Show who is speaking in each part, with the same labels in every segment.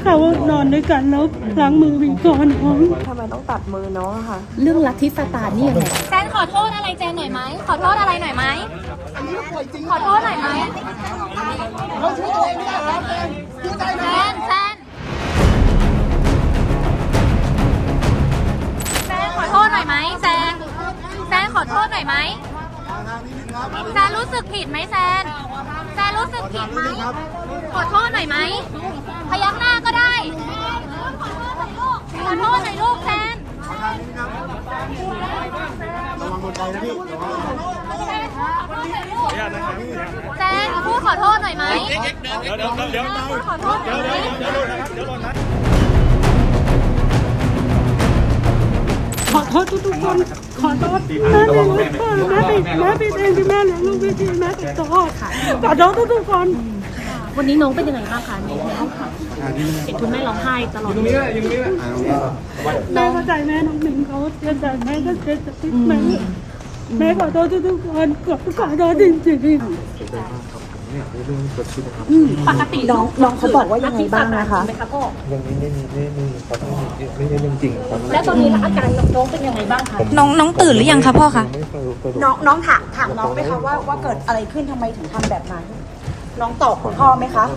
Speaker 1: เขานอนด้วยกันแล้วล้างมือวิ่งก่อนน้อง
Speaker 2: ทำไมต้องตัดมือน้องอะค่ะ
Speaker 3: เรื่องลัทธิซาตานนี่ยังไง
Speaker 4: แซนขอโทษอะไรแจนหน่อยไหมขอโทษอะไรหน่อยไหมขอโทษหน่อยไหมแซนขอโทษหน่อยไหมแซนขอโทษหน่อยไหมแซนรู้สึกผิดไหมแซนรู้สึกผิดไหมขอโทษหน่อยไหมพยักหน้าก็ได้ขอโทษหน่อยลูกแซนแซนพูดขอโทษหน่อยไหมเดี๋ยวขอโทษหน่อยไหม
Speaker 1: ขอโทษทุกคนขอโทษแม่ไม่รู้พ่อแม่ผิดเองที่แม่เลี้ยงลูกไม่ดีแม่ขอโทษขอโทษทุกคน
Speaker 3: วันนี้น้องเป็นยังไงบ้างคะในห้องขังเห็นคุณแม่ร้องไห้ตลอดเลย
Speaker 1: แม่เข้าใจแม่น้องหนึ่งเขาเสียใจแม่ก็เสียใจแม่ขอโทษทุกคนขอโทษจริงๆ
Speaker 3: ปกติน้องเขาบอกว่ายังไงบ้างนะคะพ่อ
Speaker 5: ยังไม่มีครับไม่ใช่เรื่องจริงครับ
Speaker 3: แล้วตอนนี้อาการน้องเป็นยังไงบ้างคะ
Speaker 4: น้องตื่นหรือยังคะพ่อคะ
Speaker 5: ไม่สรุป
Speaker 6: น้องถามน้องไหมคะว่าเกิดอะไรขึ้นทำไมถึงทำแบบนั้น น้องตอบคุณพ่อไหมคะ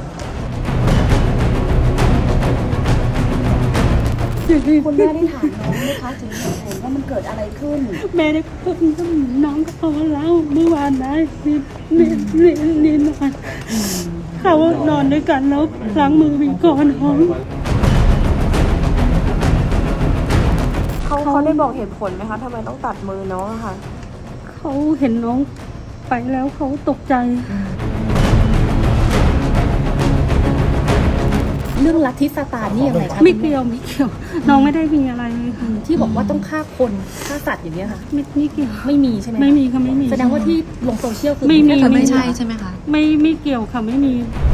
Speaker 6: คุณแม่ได้ถามน้องไหมคะถึงเหตุผลว่ามันเกิดอะไรขึ้น
Speaker 1: แม่ได้พูดกับน้องก็พอแล้วเมื่อวานนะนี่นอนเขานอนด้วยกันแล้วล้างมือวิ่งก่อนน้อง
Speaker 2: เขาได้บอกเหตุผลไหมคะทำไมต้องตัดมือน้องอะค่ะ
Speaker 1: เขาเห็นน้องไปแล้วเขาตกใจ
Speaker 3: เรื่องลัทธิซาตานนี่ยังไงคะ
Speaker 1: ไม่เกี่ยวน้องไม่ได้มีอะไรเลยค่ะ
Speaker 3: ที่บอกว่าต้องฆ่าคนฆ่าสัตว์อย่างเงี้ยค่ะ
Speaker 1: ไม่เกี่ยว
Speaker 3: ไม่มีใช่ไหม
Speaker 1: ไม่มีค่ะไม่มี
Speaker 3: แสดงว่าที่ลงโซเชียลคือ
Speaker 1: ไม่มี
Speaker 3: แค่
Speaker 4: ไม่ใช่ใช่ไหมคะ
Speaker 1: ไม่เกี่ยวค่ะไม่มี